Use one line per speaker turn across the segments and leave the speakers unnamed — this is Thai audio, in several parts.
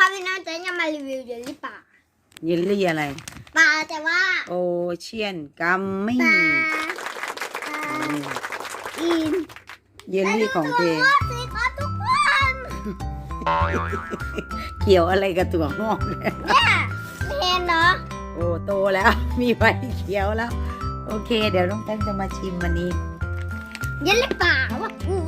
ครับพี่น้องจะมารีวิวเยลลี่ป่า
เยลลี่อะไร
ปลาแต่ว่า
โอเชียนกัมมี่
ปลาอิน
เยลลี่ของเธอ
สีครับทุกคน
เกี่ยวอะไรกับตัวงอกเนี่ย
เนี่ยไม่เห็นเนาะ
โอ้โตแล้ว มีใบเขียวแล้ว โอเค เดี๋ยวน้องแต้มจะมาชิมวันนี้
เยลลี่ป่าว่า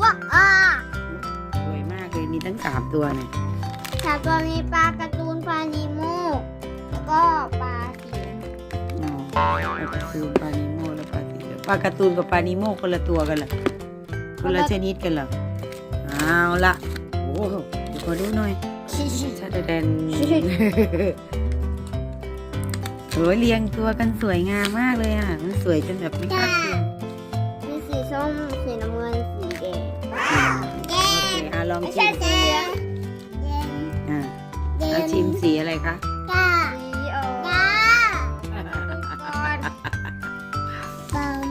สวยมากเลยมีทั้ง3ตัวเนี่ย
ค่ะตัวนี้ปลาการ์ตูนปลานีโมแล้วก็ปลาสี
อ๋อปลาการ์ตูนปลานิโมแล้วปลาสีเหลืองปลาการ์ตูนกับปลานิโมคนละตัวกันเหรอคนละชนิดกันเหรอเอาละโอ้โหเดี๋ยวขอดูหน่อยชาแดนโอ้ยเรียงตัวกันสวยงามมากเลยอ่ะมันสวยจนแบบไม่คาดคิด
มีสีส้มสีน้ำเงินสีแดง
โอเคลอง
ไม่
ชิ
ใช่
ม
สีเหลือง
เอาชิมสีอะไรคะ
จ้าสีออกจ้าก่อนปัง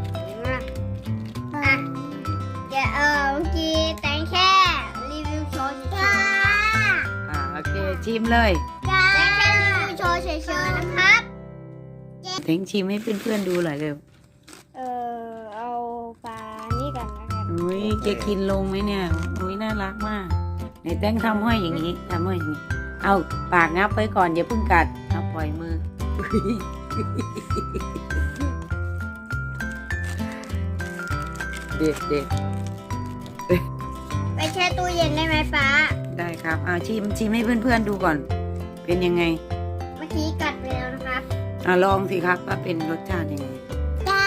เดี๋ยวเมื่อกี้แตงแค่รีวิวโชว์เฉยๆ
โอเคชิมเลย
แตงแค่รีวิวโชว์เฉยๆนะครับ
เทงชิมให้เพื่อนๆดูหน่อยเร็ว
เอาปลานี่กันนะครับ
อุ้ยจะกินลงไหมเนี่ยอุ้ยน่ารักมากไหนแต้งทำห้อยอย่างนี้ทำห้อยอย่างนี้เอาปากงับไว้ก่อนอย่าเพิ่งกัดเอาปล่อยมือเด็ดเด็ด
ไปแช่ตู้เย็นได้ไหมป้า
ได้ครับเอาชิมให้เพื่อนๆดูก่อน เป็นยังไง
เมื่อกี้กัดไปแล้วนะครับ
ลองสิครับว่าเป็นรสชาติยังไง
จ้า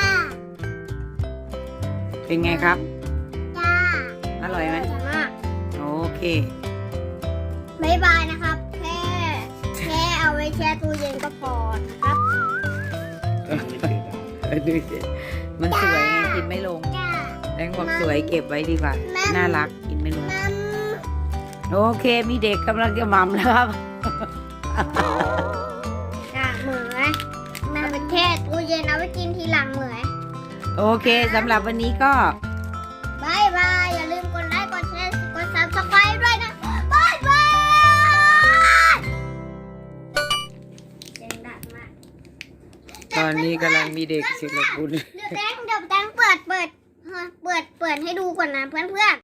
เป็นไงครับ
จ้า
อร่อยไหม
มาก
โอเค
บ๊ายบายนะครับแค่เอาไว้แช่ตู้เย็นก็พอนะครับ
ดูสิมันสวยไงกินไม่ลง
จ้า
แตงบอกสวยเก็บไว้ดีกว่า น่ารักกินไม่ลง โอเคมีเด็กกำลังจะหม่ำแล้วครับ
จ้าเหมือนมันเป็นแช่ตู้เย็นเอาไว้กินทีหลังเหมือน
โอเคสำหรับวันนี้ก็
บายบายอย่าลืมกดไลค์กดแชร์กด Subscribe ด้วยนะบายบายเสียงดังมาก
ตอนนี้กำลังมีเด็กศิลปุณ
เดี๋ยวแตงเปิดให้ดูก่อนนะเพื่อนๆ